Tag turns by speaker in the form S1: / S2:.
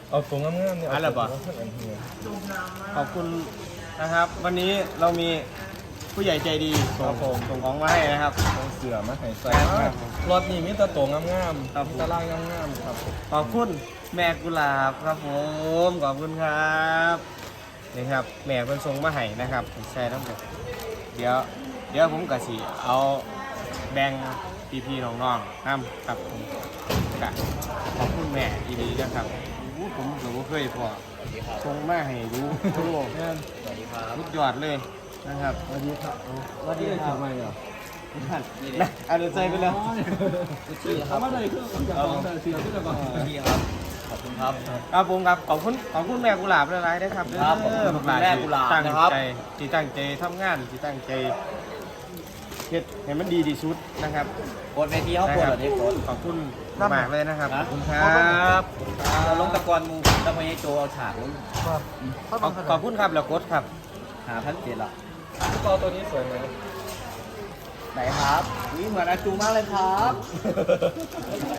S1: เอาตัวงามๆเนี่ย
S2: อะไรบ่ ขอบคุณนะครับ วันนี้เรามีผู้ใหญ่ใจดีส่งของมาให้นะครับ
S1: เอาเสือมาให้ใส่
S2: ครับ
S1: รถนี่มีแต่ตัวงาม
S2: ครับ
S1: ๆมีแต่ลายงามๆครับ
S2: ขอบคุณแม่กุหลาบครับผมขอบคุณครับนี่ครับแม่เป็นทรงมาให้นะครับใช่ต้องเดี๋ยวผมกะสิเอาแบ่งพี่ๆน้องๆน้ำครับผมกะขอบคุณแม่ดีๆนะครับโอ้ผมก็บ่เคยพอทรงมาให้ดูทั่วโลก
S1: แม่น
S2: ทุกยอดเลยนะครับ
S1: สวัสดีครับ
S2: สวัสดีครับ
S1: ทำไมอ่ะ
S2: นะเอาเดี๋ยวใจไปเลย
S1: เอามาเลยคือจากกองเสือขึ้นจากกอง
S3: พี่ครับ ขอบคุณครับ
S2: ครับผมครับขอบคุณแม่กุหลาบหลายๆนะครับ
S3: ครับขอบคุณแม่กุหลาบ
S2: ตั้ง
S3: นะครับ
S2: ใจที่ตั้งใจทำงานที่ตั้งใจเฮ็ดให้มันดีที่สุดนะครับ
S3: กดเวทีเขากดเหรอเนี่ยกด
S2: ขอบคุณมากเลยนะครับขอบคุณครับ
S3: เราลงตะกอนมูตะพยโจเอาฉากลง
S2: ขอบคุณครับแล้วกดครับ
S3: 5,700ละ
S1: กอตัวนี้สวยไหม
S3: ไหนครับนี่เหมือนอาจูมากเลยครับ